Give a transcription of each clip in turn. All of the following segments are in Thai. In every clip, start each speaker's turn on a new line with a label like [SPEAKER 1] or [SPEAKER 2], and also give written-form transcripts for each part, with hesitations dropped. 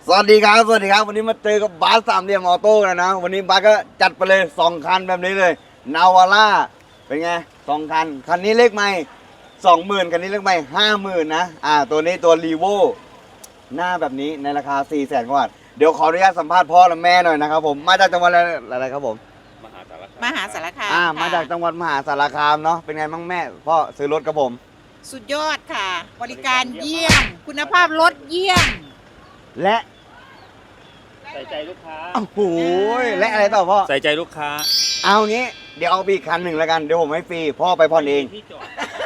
[SPEAKER 1] สวัสดีครับ วันนี้มาเจอกับบาสสามเหลี่ยมออโต้กันนะ วันนี้บาสก็จัดไปเลย2 คันแบบนี้เลยนาวาร่าเป็นไง2 คัน คันนี้เลขไม่20,000 คันนี้เลขไม่50,000นะตัวนี้ตัวรีโวหน้าแบบนี้ในราคา400,000 กว่าบาทเดี๋ยวขออนุญาตสัมภาษณ์พ่อและแม่หน่อยนะครับผมมาจากจังหวัดอะไรครับผม
[SPEAKER 2] มหาสารคาม
[SPEAKER 1] มาจากจังหวัดมหาสารคามเนาะเป็นไงบ้างแม่พ่อซื้อรถกับผม
[SPEAKER 2] สุดยอดค่ะ บริการเยี่ยม คุณภาพรถเยี่ยม
[SPEAKER 1] และ
[SPEAKER 3] ใส่ใจลูกค้า
[SPEAKER 1] โอ้โหและอะไรต่อพ่อ
[SPEAKER 3] ใส่ใจลูกค้า
[SPEAKER 1] เอางี้เดี๋ยวเอาไปอีกคันหนึ่งแล้วกันเดี๋ยวผมให้ฟรีพ่อไปผ่อนเอง
[SPEAKER 3] ที่จอด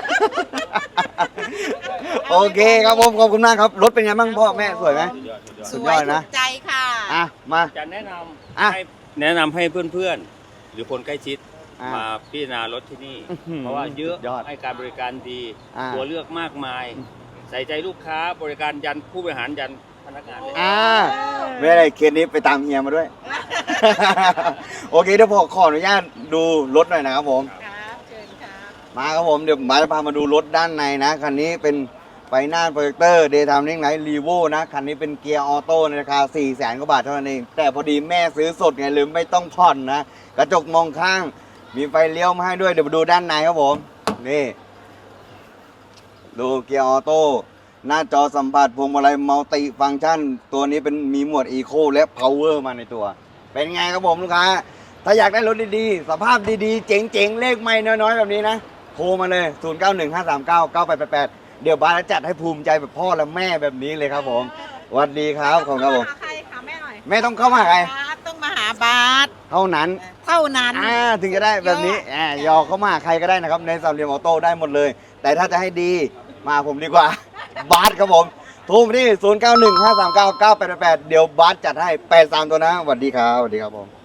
[SPEAKER 1] โอเคครับผมขอบคุณมากครับรถเป็นไงบ้างพ่อแม่สวยไหม
[SPEAKER 3] สุดยอด
[SPEAKER 2] สวย
[SPEAKER 1] นะ
[SPEAKER 2] ถูกใจค่ะ
[SPEAKER 1] มา
[SPEAKER 3] จะแนะน
[SPEAKER 1] อ่ะ
[SPEAKER 3] ำให้เพื่อนๆ หรือคนใกล้ชิด
[SPEAKER 1] อ่ะ
[SPEAKER 3] มาพิจารณารถที่นี่
[SPEAKER 1] อื้อหือ
[SPEAKER 3] เพราะว่าเยอะ
[SPEAKER 1] ยอด
[SPEAKER 3] ให้การบริการดี
[SPEAKER 1] อ่ะ
[SPEAKER 3] ตัวเลือกมากมาย ใส่ใจลูกค้าบริการยันผู้บริหารยันพนักงานเลย
[SPEAKER 1] ไม่ได้เคสนี้ไปตามเฮียมาด้วย โอเคเดี๋ยวผมขออนุญาตดูรถหน่อยนะครับผม
[SPEAKER 2] ครับเชิญครับ
[SPEAKER 1] มาครับผมเดี๋ยวมาจะพามาดูรถด้านในนะคันนี้เป็นไฟหน้าโปรเจคเตอร์เดย์ไทม์ลิงไลท์รีโวนะคันนี้เป็นเกียร์ออโต้ในราคา400,000 กว่าบาทเท่านั้นเองแต่พอดีแม่ซื้อสดไงลืมไม่ต้องผ่อนนะกระจกมองข้างมีไฟเลี้ยวมาให้ด้วยเดี๋ยวมาดูด้านในครับผมนี่ดูเกียร์ออโต้หน้าจอสัมผัสพวงมาลัยมัลติฟังก์ชันตัวนี้เป็นมีหมวดอีโคและพาวเวอร์มาในตัว เป็นไงครับผมลูกค้าถ้าอยากได้รถดีๆสภาพดีๆเจ๋งๆเลขไม่น้อยๆแบบนี้นะโทรมาเลย 0915399888 เดี๋ยวบาสจะจัดให้ภูมิใจแบบพ่อและแม่แบบนี้เลยครับผมสวัสดีครับขอบคุณครับผม
[SPEAKER 2] ใครคะแม่หน่อย
[SPEAKER 1] แม่ต้องเข้ามาหาใคร
[SPEAKER 2] บาสต้องมาหาบาส
[SPEAKER 1] เท่านั้น
[SPEAKER 2] เท่านั้น
[SPEAKER 1] ถึงจะได้แบบนี้ยอเข้ามาหาใครก็ได้นะครับในสามเหลี่ยมออโต้ได้หมดเลย แต่ถ้าจะให้ดีมาผมดีกว่า บาสครับผมโทรมาที่ 0915399888 เดี๋ยวบาสจัดให้83ตัวนะสวัสดีครับผม